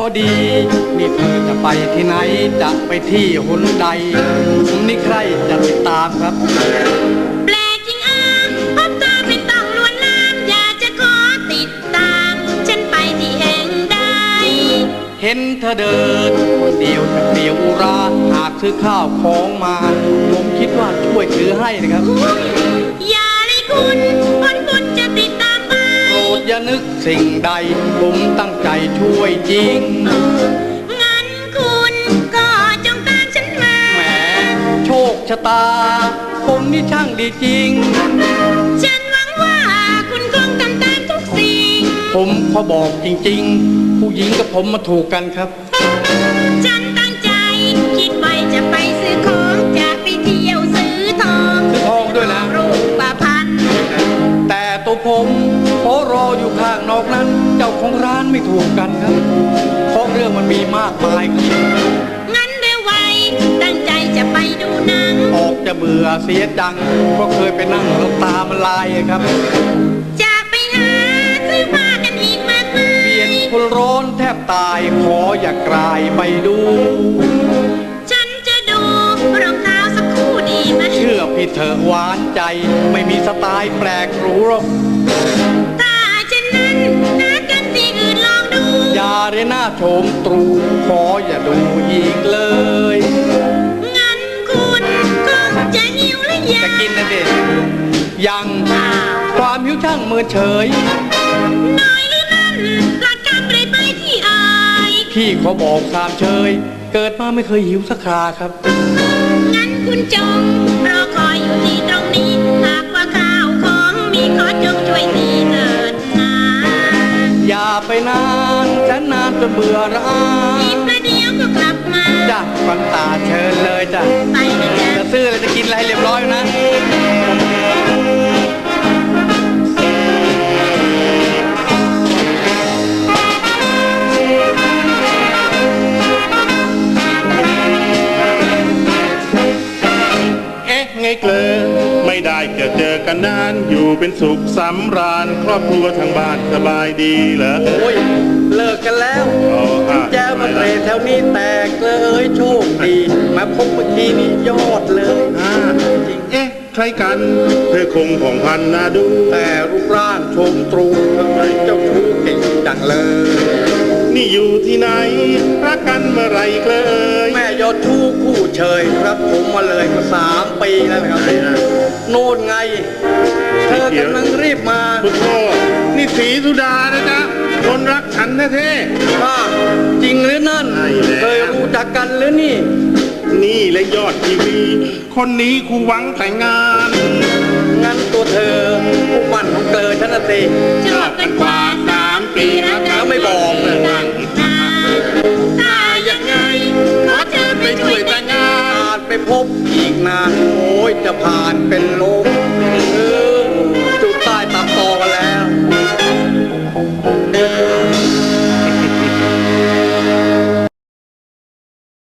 ดีนี่เธอจะไปที่ไหนจะไปที่หนใดนี่ใครจะติดตามครับแปลกจริงพบเธอเป็นต้องลวนลามอยากจะขอติดตามฉันไปที่แห่งใดเห็นเธอเดินคนเดียวจะเปลี่ยวอุราหากซื้อข้าวของมาผมคิดว่าช่วยถือให้นะครับอย่าเลยคุณจะติดตามไปโปรดอย่านึกสิ่งใดผมตั้งใจช่วยจริงงั้นคุณก็จงตามฉันมาแหมโชคชะตาผมนี่ช่างดีจริงฉันหวังว่าคุณคงทำตามทุกสิ่งผมขอบอกจริงๆผู้หญิงกับผมมาถูกกันครับฉันตั้งใจคิดไว้จะไปซื้อของจะไปเที่ยวซื้อทองด้วยนะรูปพันธ์แต่ตัวผมขอรออยู่ข้างนอกนั้นเจ้าของร้านไม่ถูกกันครับเพราะเรื่องมันมีมากมายครับงั้นเร็วไวตั้งใจจะไปดูหนังออกจะเบื่อเสียจังเพราะเคยไปนั่งแล้วตามันลายครับจะไปหาซื้อผ้ากันอีกมากมายเปลี่ยนคนร้อนแทบตายขออย่ากลายไปดูฉันจะดูรองเท้าสักคู่ดีไหมเชื่อพี่เธอหวานใจไม่มีสไตล์แปลกหรูหรอกถ้าเช่นนั้นนัดกันที่อื่นลองดูอย่าเรน่าโฉมตรูขออย่าดูอีกเลยงั้นคุณคงจะหิวและอยากจะกินนะเด็กยังความหิวช่างเมินเฉยน้อยหรือนั่นหลักการไปที่อายพี่ขอบอกสามเชยเกิดมาไม่เคยหิวสักคราครับงั้นคุณจงรอคอยอยู่ที่ตรงนี้หากว่าข้าวของมีขอจงช่วยทีเถิดนะอย่าไปนานฉันนานจนเบื่อร้าอีกประเดี๋ยวก็กลับมาจ้ะฟังตาเชิญเลยจ้ะไปนะจ๊ะจะซื้ออะไรจะกินอะไรเรียบร้อยนะไงเกลอไม่ได้เจอกันนานอยู่เป็นสุขสำราญครอบครัวทางบ้านสบายดีเหรอโอ้ยเลิกกันแล้วแจ้วมาเตะแถวนี้แตกเลยโชคดีมาพบเมื่อกี้นี่ยอดเลยจริงใครกันเธอคงผ่องพันน่าดูแต่รูปร่างชมตรูทำไมเจ้าชู้เก่งจังเลยนี่อยู่ที่ไหนรักกันเมื่อไรเกลยแม่ยอดชู้คู่เชยครับผมมาเลยมา3 ปีแล้วครับโน่นไงเธอกำลังรีบมาพุทโธนี่ศรีสุดานะจ๊ะคนรักฉันแท้ๆจริงหรือนั่นเคยรู้จักกันหรือนี่และยอดทีวีคนนี้ครูหวังแต่งงานงั้นตัวเธอผู้มั่นของเกลอฉันน่ะสิชอบกันกว่า